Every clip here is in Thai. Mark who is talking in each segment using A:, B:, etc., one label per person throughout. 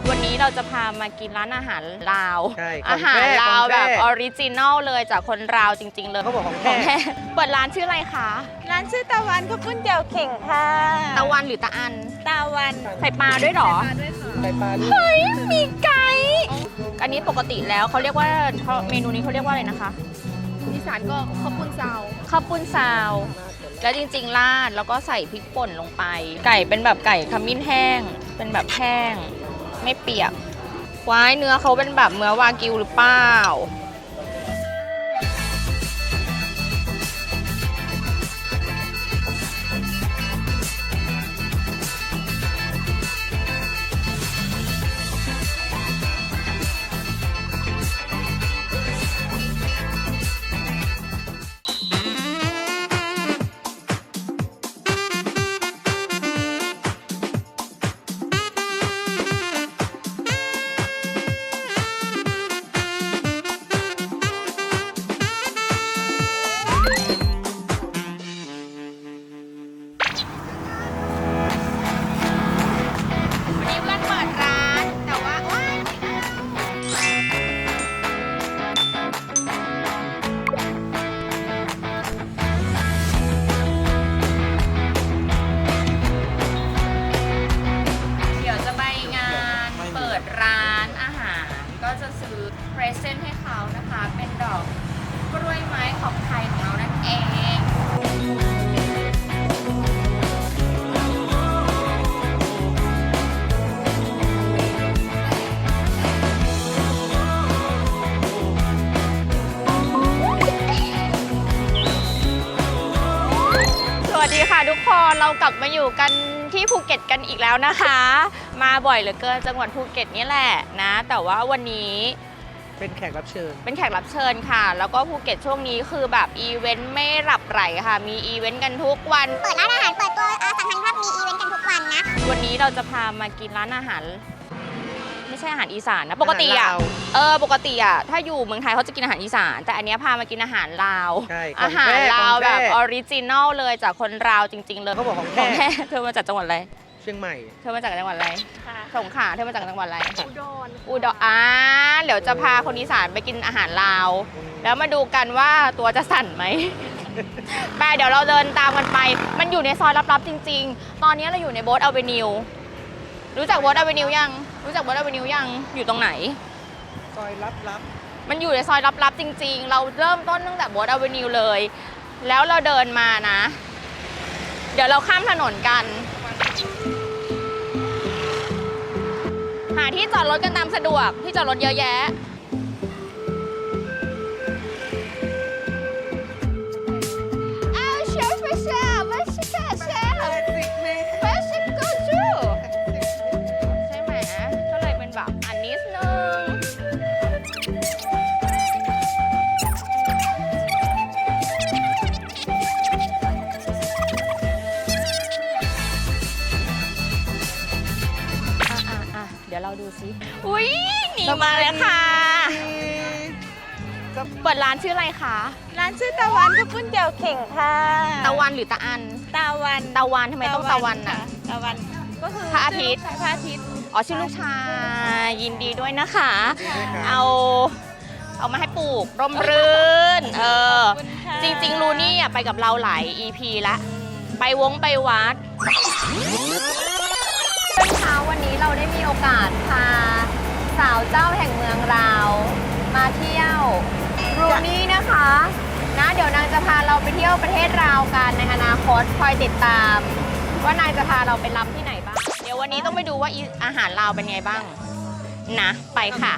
A: วันนี้เราจะพามากินร้านอาหารลาว
B: ใช่
A: อาหารลาวแบบออริจินอลเลยจากคนลาวจริงๆเลย
B: เขาบอกของ
A: ของ
B: แท้
A: แท้เปิดร้านชื่ออะไรคะ
C: ร้านชื่อตะวันข้าวปุ้นเจียวเข่งค่ะ
A: ตะวันหรือตะอัน
C: ตะวัน
A: ใส่ปลาด้วยเหรอ
B: ใส่ปลาด้วย
A: เฮ้ยมีไก่อันนี้ปกติแล้วเขาเรียกว่าเมนูนี้เขาเรียกว่าอะไรนะคะ
C: อีสานก็ข้าวปุ้นซาว
A: ข้าวปุ้นซาว แล้วจริงๆราดแล้วก็ใส่พริกป่นลงไป ไก่เป็นแบบไก่ขมิ้นแห้ง เป็นแบบแห้ง ไม่เปียกว้ายเนื้อเขาเป็นแบบเนื้อวากิวหรือเปล่าร้านอาหารก็จะซื้อเพรสเซนต์ให้เขานะคะ เป็นดอกกล้วยไม้ของไทยของเรานั่นเองสวัสดีค่ะทุกคนเรากลับมาอยู่กันที่ภูเก็ตกันอีกแล้วนะคะ มาบ่อยเหลือเกินจังหวัดภูเก็ตนี่แหละนะ แต่ว่าวันนี้
B: เป็นแขกรับเชิญ
A: เป็นแขกรับเชิญค่ะ แล้วก็ภูเก็ตช่วงนี้คือแบบอีเวนต์ไม่หลับไหลค่ะ มีอีเวนต์กันทุกวัน
D: เปิดร้านอาหารเปิดตัวสัมพันธ์ภาพมีอีเวนต์กันทุกวันนะ
A: วันนี้เราจะพามากินร้านอาหารไม่ใช่อาหารอีสานนะปกติอ่ะ
B: อาหารลาว
A: ปกติอ่ะถ้าอยู่เมืองไทยเขาจะกินอาหารอีสานแต่อันเนี้ยพามากินอาหารลาว
B: ใช่ของ
A: อาหาร
B: แท้
A: ลาว
B: ของแท้
A: แบบออริจินอลเลยจากคนลาวจริงๆเลย
B: เขาบอกของ
A: ของ
B: แท้
A: แท้ เธอมาจากจังหวัดอะไร
B: เชียงใหม่
A: เธอมาจากจังหวัดอะไร
C: ค่ะ
A: สงขลาเธอมาจากจังหวัดอะไร
C: อุดร
A: อุดรเดี๋ยวจะพาคนอีสานไปกินอาหารลาว แล้วมาดูกันว่าตัวจะสั่นไหม ไปเดี๋ยวเราเดินตามกันไป มันอยู่ในซอยลับๆจริงๆ ตอนนี้เราอยู่ในโบ๊ทอเวนิว รู้จักโบ๊ทอเวนิวยัง รู้จักโบ๊ทอเวนิวยัง อยู่ตรงไหน
B: ซอยลับ
A: มันอยู่ในซอยลับๆจริงๆ เราเริ่มต้นตั้งแต่โบ๊ทอเวนิวเลย แล้วเราเดินมานะ เดี๋ยวเราข้ามถนนกัน หาที่จอดรถกันตามสะดวก ที่จอดรถเยอะแยะ ใช่ไหมก็เลยเป็นแบบอันนิดนึงเดี๋ยวเราดูซิอุ้ยหนีมาเลยค่ะ เปิดร้านชื่ออะไรคะ
C: ร้านชื่อตะวันข้าวปุ้นเจียวเข่งค่ะ
A: ตะวันหรือตะอัน
C: ตะวัน
A: ตะวันทำไมต้องตะวันน่ะ
C: ตะวันก็คือ
A: พระอาทิตย์
C: พระอาทิตย์
A: อ๋อชื่อลูกชายยินดีด้วยนะคะ
B: ๆ
A: เอามาให้ปลูกร่มรื่น
C: ขอบคุณค่ะ
A: จริงๆลูนี่ไปกับเราหลาย EP ละไปวัดเช้าวันนี้เราได้มีโอกาสพาสาวเจ้าแห่งเมืองเรามาเที่ยวรูนี่นะคะนะเดี๋ยวนางจะพาเราไปเที่ยวประเทศลาวกันในอนาคตคอยติดตาม ว่านางจะพาเราไปล้ำที่ไหนบ้างเดี๋ยววันนี้ต้องไปดูว่าอาหารลาวเป็นไงบ้างนะไปค่ะ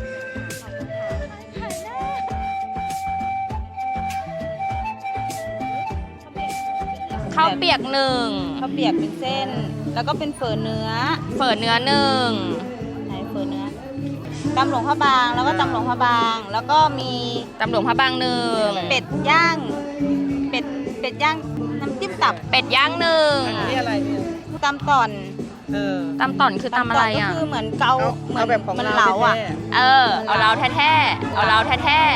A: ข้าวเปียกหนึ่ง
C: ข้าวเปียกเป็นเส้น แล้วก็เป็นเฝอเนื้อ
A: เฝอเนื้อหนึ่ง
C: ไหนเฝอเนื้อตำหลวงพระบาง แล้วก็ตำหลวงพระบาง แล้วก็มี
A: ตำหลวงพระบางหนึ่ง
C: เป็ดย่าง เป็ดย่างน้ำจิ้มตับ
A: เป็ดย่างหนึ่ง
B: อันนี้อะไรเนี่ย
C: ตำต่อน
A: ตำต่อนคือตำอะไรอ่ะ
C: ก็คือเหมือนเกาเหมือน
B: แบบของ
C: มัน
B: เรา
C: เหลาอ่ะ
B: แท้
A: เอาเราแท้ๆเอาเราแท้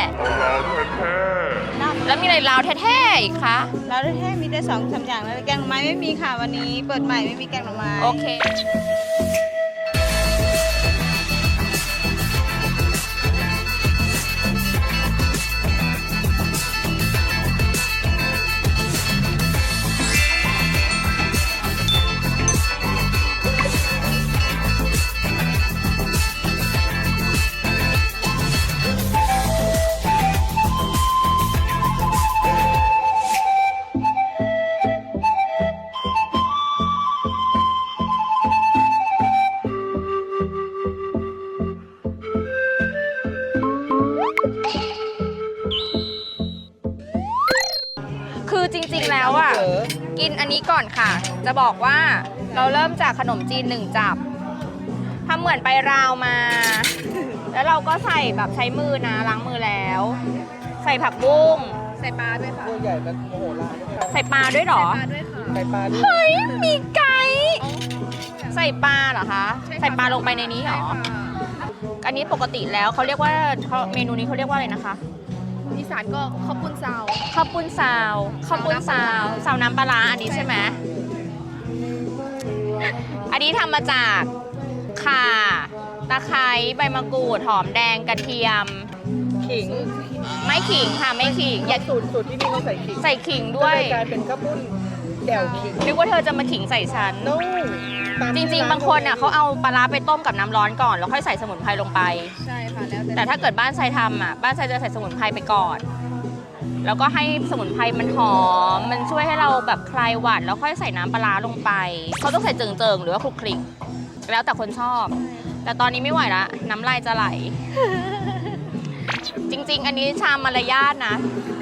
A: ๆแล้วมีอะไรเราแท้ๆอีกคะ
C: เราได้แค่มีแต่2-3อย่างแล้วแกงหน่อไม้ไม่มีค่ะวันนี้เปิดใหม่ไม่มีแกงหน่อไม้
A: โอเคแล้วอ่ะ
B: เผลอ
A: กินอันนี้ก่อนค่ะ จะบอกว่าเราเริ่มจากขนมจีน1 จับทำเหมือนไปราวมา แล้วเราก็ใส่แบบใช้มือนะล้างมือแล้ว ใส่ผักบุ้งใส่ปลาด้วยค่ะ
B: ตัวใหญ่มันโมโหลาน
A: ใส่ปลาด้วยเหรอ
B: ใส่ปลาด้วย
A: เฮ้ยมีไก่ใส่ปลาเหรอคะใส่ปลาลงไปในนี้เหรออันนี้ปกติแล้วเขาเรียกว่าเมนูนี้เขาเรียกว่าอะไรนะคะ
E: อีสานก็ข้าวปุ้นซาว
A: ข้าวปุ้นซาวข้าวปุ้นซาวซาวน้ำปลาร้าอันนี้ใช่ไหมอันนี้ทำมาจากข่าตะไคร้ใบมะกรูดหอมแดงกระเทียม
B: ขิง
A: ไม่ขิงค่ะไม่ขิงอย่า
B: สูตรที่นี่เขาใส่ขิง
A: ใส่ขิงด้วย
B: ก็เลกลายเป็นข้าวปุ้นแจ่วขิง
A: นึกว่าเธอจะมาขิงใส่ฉัน
B: no
A: จริงๆ บางคนอ่ะเขาเอาปลาร้าไปต้มกับน้ำร้อนก่อน แล้วค่อยใส่สมุนไพรลงไป
E: ใช่ค่ะ แล้วแต่
A: แต่ถ้าเกิดบ้านทรายทำอ่ะบ้านทรายจะใส่สมุนไพรไปก่อน แล้วก็ให้สมุนไพรมันหอม มันช่วยให้เราแบบคลายหวัดแล้วค่อยใส่น้ำปลาร้าลงไป เขาต้องใส่เจิงๆ หรือว่าคลุกคลิก แล้วแต่คนชอบ แต่ตอนนี้ไม่ไหวละน้ำลายจะไหล จริงๆ อันนี้ชามมารยาทนะ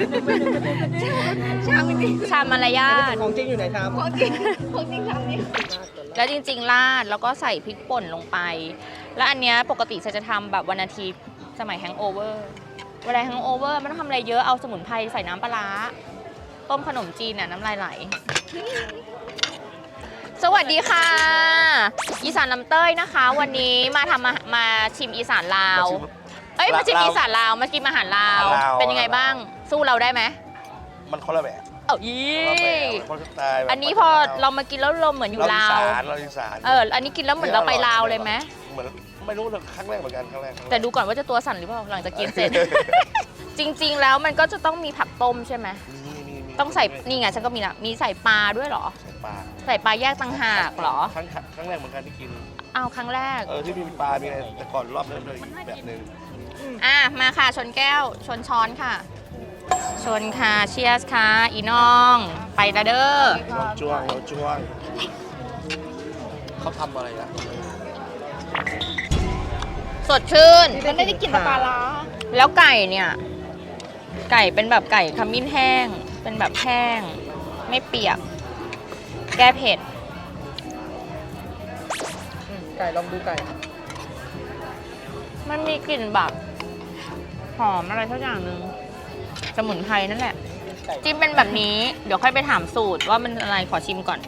E: ชามจริง
A: ชามมารยาท
B: ของจริงอยู่ไหนครับ
E: ของจริงชามนี้
A: แล้วจริงๆ ราดแล้วก็ใส่พริกป่นลงไป แล้วอันเนี้ยปกติจะทำแบบวันอาทิตย์สมัยแฮงโอเวอร์เวลาแฮงโอเวอร์ไม่ต้องทำอะไรเยอะเอาสมุนไพรใส่น้ำปลาร้าต้มขนมจีนน่ะน้ำลายไหล สวัสดีค่ะ อีสานลำเต้ยนะคะ วันนี้มาชิมอีสานลาว เอ้ยมาชิมอีสานลาวมากินอาหารลาว เป็นยังไงบ้าง สู้เราได้ไหม
F: มันคนละแบบ
A: เอ้าอี
F: คนละสไตล์แบบ
A: อันนี้พอเรามากินแล้วเราเหมือนอยู่ลาว
F: เราอีสาน
A: อันนี้กินแล้วเหมือนเราไปลาวเลยไหม
F: เหมือนไม่รู้ครั้งแรกเหมือนกันครั้งแรก
A: แต่ดูก่อนว่าจะตัวสั่นหรือเปล่าหลังจากกินเสร็จ จริงๆ แล้วมันก็จะต้องมีผักต้มใช่ไหม
F: มี
A: ต้องใส่นี่ไงฉันก็มีนะมีใส่ปลาด้วยเหรอ
F: ใส่ปลา
A: ใส่ปลาแยกต่างหากเหรอ
F: ครั้งแรกเหมือนกันที่กิน
A: เอาครั้งแรก
F: ที่มีปลา มีอะไรแต่ก่อนรอบนั้นเลยอีกแบบหนึ่ง
A: มาค่ะชนแก้วชนช้อนค่ะ ชนค่ะเชียร์ค่ะอีน้อง ไปละเด้อ
F: เราจ้วงเขาทำอะไรนะ
A: สดชื่น
E: มันไม่ได้กินแต่ปลาร้า
A: แล้วไก่เนี่ย ไก่เป็นแบบไก่ขมิ้นแห้ง เป็นแบบแห้ง ไม่เปียก แก้เผ็ด
B: ไก่ลองดูไก่
A: มันมีกลิ่นแบบหอมอะไรสักอย่างหนึ่งสมุนไพรนั่นแหละ จิ้มเป็นแบบนี้ เดี๋ยวค่อยไปถามสูตรว่ามันอะไรขอชิมก่อน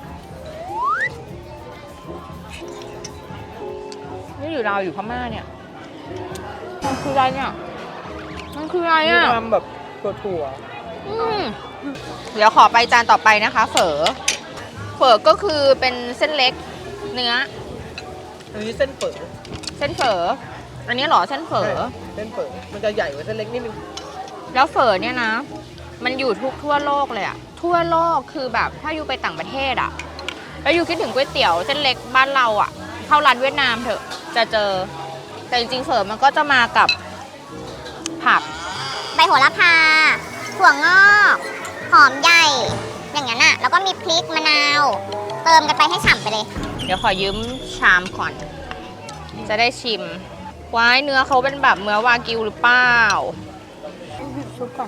A: นี่อยู่ลาวอยู่พม่าเนี่ย มันคืออะไรเนี่ย มันคืออะไร
B: มี
A: อ่ะ
B: ความแบบถั่ว
A: เดี๋ยวขอไปจานต่อไปนะคะ เฝอก็คือเป็นเส้นเล็กเนื้อ
B: ๆอันนี้เส้นเฝอ
A: เส้นเฝออันนี้เหรอเส้นเฝอ
B: เส้นเฝอมันจะใหญ่กว่าเส้นเล็กนิดนึง
A: แล้วเฝอเนี่ยนะ มันอยู่ทั่วโลกเลยอะทั่วโลกคือแบบถ้าอยู่ไปต่างประเทศอะแล้วอยู่คิดถึงก๋วยเตี๋ยวเส้นเล็กบ้านเราอะเข้าร้านเวียดนามเถอะจะเจอ แต่จริงๆเฝอมันก็จะมากับผัก
D: ใบโหระพา ถั่วงอก หอมใหญ่ อย่างนั้นอะแล้วก็มีพริกมะนาว เติมกันไปให้ฉ่ำไปเลย
A: เดี๋ยวขอยืมชามก่อน จะได้ชิมว้ายเนื้อเขาเป็นแบบเนื้อวากิวหรือเปล่าซุปก่อน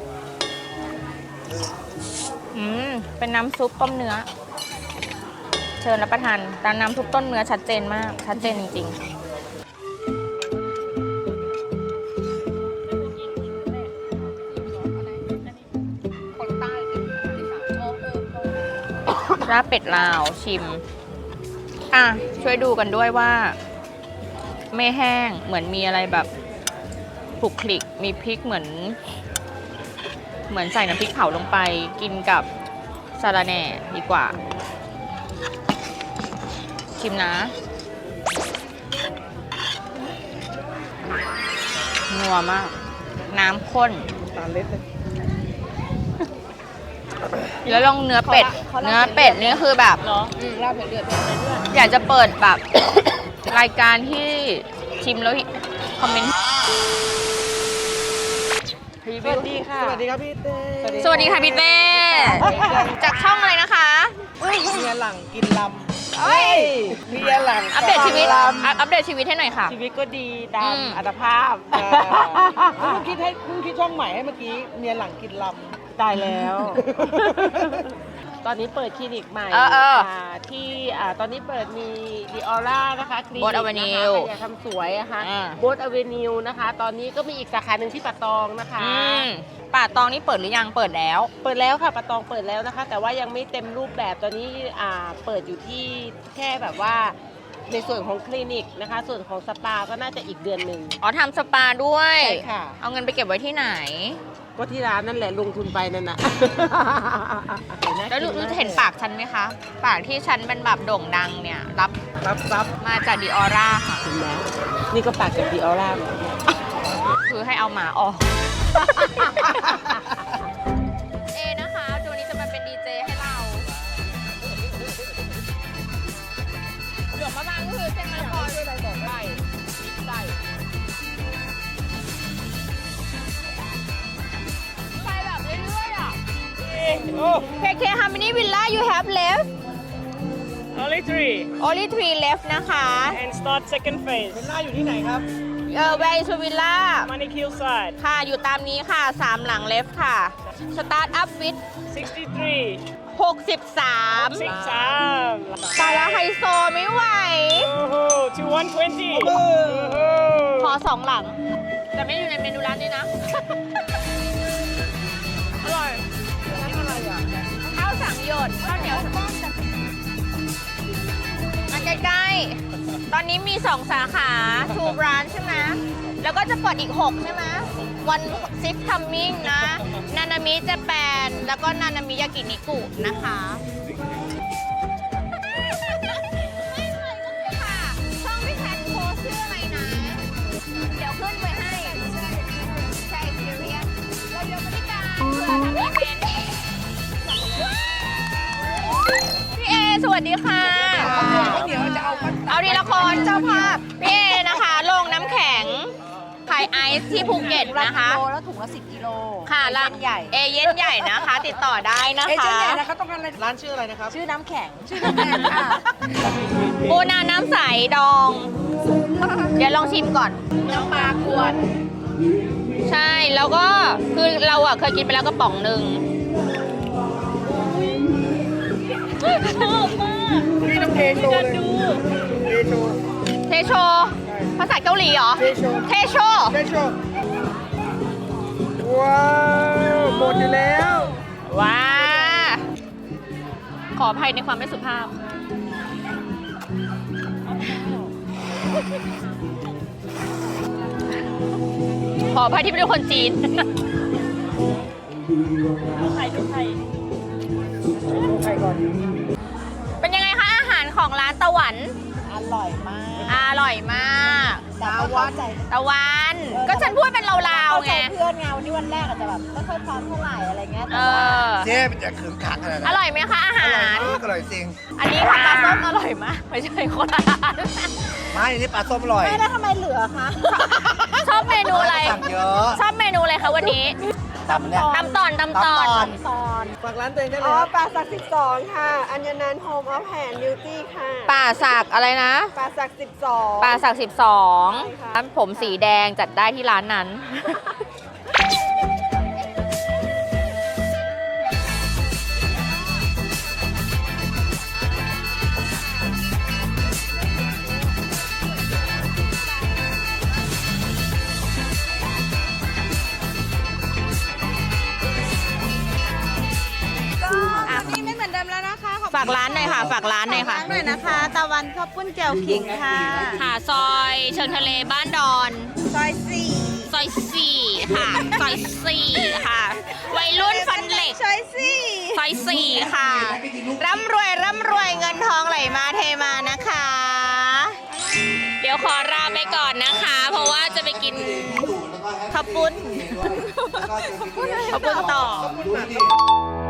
A: เป็นน้ำซุปต้มเนื้อ เชิญรับประทานแต่น้ำซุปต้มเนื้อชัดเจนมาก ชัดเจนจริงๆราบเป็ดลาวชิม ช่วยดูกันด้วยว่า ไม่แห้งเหมือนมีอะไรแบบผุกคลิกมีพริกเหมือนใส่น้ำพริกเผาลงไปกินกับสาลาแหน่ดีกว่า ชิมนะนัวมาก น้ำข้น
B: ตาเล็ดเลย
A: แล้วลองเนื้อเป็ดนี่คือแบบ
E: ลาบเดือด
A: อยากจะเปิดแบบ รายการที่ชิมแล้วคอมเมนต์
B: สวัสดีค่ะ สวัสดีครับพี่เต้
A: สวัสดีค่ะพี่เต้จากช่องอะไรนะคะ
B: เมียหลังกินลำ
A: เอ้ย
B: เมียหลัง
A: อัปเดตชีวิต
B: ล
A: อัปเดตชีวิตให้หน่อยค่ะ
B: ำชีวิตก็ดีตาม
A: อืม
B: อัตภาพเพิ่งคิดช่องใหม่ให้เมื่อกี้เมียหลังกินลำตายแล้ว ตอนนี้เปิดคลินิกใหม่ ที่ตอนนี้เปิดมีดิออร่านะคะคลินิก
A: Boat Avenue
B: นะคะใครอยากทำสวยอะค่ะโบ๊ทอเวนิวนะคะ ตอนนี้ก็มีอีกสาขาหนึ่งที่ป่าตองนะคะ
A: ป่าตองนี่เปิดหรือยังเปิดแล้ว
B: เปิดแล้วค่ะป่าตองเปิดแล้วนะคะ แต่ว่ายังไม่เต็มรูปแบบตอนนี้เปิดอยู่ที่แค่แบบว่าในส่วนของคลินิกนะคะ ส่วนของสปาก็น่าจะอีกเดือนหนึ่ง
A: อ๋อทำสปาด้วย
B: ใช่ค่ะ
A: เอาเงินไปเก็บไว้ที่ไหน
B: ก็ที่ร้านนั่นแหละลงทุนไปนั่นน่ะ
A: แล้วรู้เห็นปากฉันไหมคะ ปากที่ฉันเป็นแบบโด่งดังเนี่ย รับ
B: รับ
A: มาจากดิออร่าค่ะ
B: ถึงแล้วนี่ก็ปากจากดิออร่า
A: คือให้เอาหมาออก เอนะคะตัวนี้จะมาเป็นดีเจให้เราหลวงมะบางก็คือเส้นมะละกอด้วยอะไรบอกไก่ไปแบบเรื่อยๆอ่ะ KK how many villa you have left
G: Only three.
A: only 3 left นะคะ
G: And start second phase.
B: เป็นหน้าอยู่ที่ไหนครับ
A: where is the villa
G: Manikil side.
A: ค่ะ อยู่ตามนี้ค่ะ 3 หลัง left ค่ะ start up with
G: 63.
A: 63
G: Six arm.
A: ตายแล้วไฮโซไม่ไหว
G: Oh, to 120.
A: ขอ 2 หลัง แต่ไม่อยู่ในเมนูร้านนี้นะ อร่อยข้าวสังหยดข้าวเหนียวอันใกล้ๆ ตอนนี้มี 2 สาขาทูบร้านใช่ไหม แล้วก็จะเปิดอีก 6 ใช่ไหม วันซิฟทัมมิ่งนะ นานามิจะแปนแล้วก็นานามิยากินิกุนะคะค่ะช่องพี่แพนโพสชื่ออะไรนะ เดี๋ยวขึ้นไว้ให้ ใช่ซีเรียสเราเดี๋ยวบริการเพื่อทำอีเวนต์พี่เอ สวัสดีค่ะ
B: เดี๋ยวจะเอา
A: เอาดีละครเจ้าภาพพี่เอนะคะโรงน้ำแข็งขายไอซ์ที่ภูเก็ตนะคะ
C: แล้วถุงละ10 กิโล
A: ค่ะละใหญ่เอเย่นใหญ่นะคะ ติดต่อได้นะ
B: เอเจน
A: คะ
B: ต์ใหญ่นะคะต้องการอะไรร้านชื่ออะไรนะครับ
C: ชื่อน้ำแข็ง ชื่อน้ำแข็งค่ะ
A: ปูนาน้ำใสดอง เดี๋ยวลองชิมก่อน
E: น้ำปลากวน
A: ใช่แล้วก็คือเราอะเคยกินไปแล้วกระป๋องหนึ่งชอบมาก
B: พี่ต้องเทโชว์เลยเทโชว์
A: เทโชภาษาเกาหลีเหรอ
B: เทโช
A: เทโช
B: เทโชว์ว้าวหมดอยู่แล้ว
A: ว้า ขออภัยในความไม่สุภาพ ขออภัยที่เป็นคนจีน
B: ใครก่อน
A: เป็นยังไงคะอาหารของร้านตะวัน
C: อร่อยมาก
A: อร่อยมาก
C: แต่ก็เข้าใจ
A: ตะวัน ก็ฉันพูดเป็นลาวๆไง
C: เพื่อนไงวันนี้วันแรกอาจจะแบบไม่ค่อยพร้อมเท่าไหร่อะไรเงี้ย
A: เอ
C: แต่ว่า
A: อ
F: เจ๊มันจะขึงขังอะไร
A: อ
F: นะ
A: ร่อยไหมคะอาหาร
F: อร่อยจริง
A: อันนี้ค่ะปลาส้มอร่อยมาก ไม่ใช่คนละร้าน
F: ไม่นี่ปลาส้มอร่อย
C: ไม่แล้วทำไมเหลือคะ
A: ชอบเมนูอะไร
F: สั่งเยอะ
A: ชอบเมนูอะไรคะวันนี้
F: ตำเนี่ย
A: ตำตอน
F: ตำตอน
B: ฝากร้านตัวเองได้เล
H: อ๋
B: ย
H: อ
B: ครับ
H: ปลาสัก12 ค่ะ อัญญนันท์โฮมออฟแฮนด์บิวตี้ค่ะ
A: ป่าสักอะไรนะ
H: ปลาสัก12
A: ป่าสัก
H: ใช่
A: 12
H: ค่ะ
A: ร้านผมสีแดงจัดได้ที่ร้านนั้น
C: นี่ไม่เหมือนเดิมแล้วนะคะขอบคุณ
A: ฝากร้านหน่อยค่ะ ฝากร้านหน่อยค่ะ
C: ร้านหน่อยนะคะ ตะวันข้าวปุ้นแจ่วขิงค่ะ
A: ค่ะซอยเชิงทะเลบ้านดอน
C: ซอย
A: ซอย 4 ค่ะ ซอย 4 ค่ะ วัยรุ่นฟันเหล็ก
C: 4ซอย
A: ซอย 4 ค่ะ ร่ำรวยเงินทองไหลมาเทมานะคะ เดี๋ยวขอลาไปก่อนนะคะ เพราะว่าจะไปกินข้าวปุ้นข้าวปุ้นต่อ
F: ดูดิ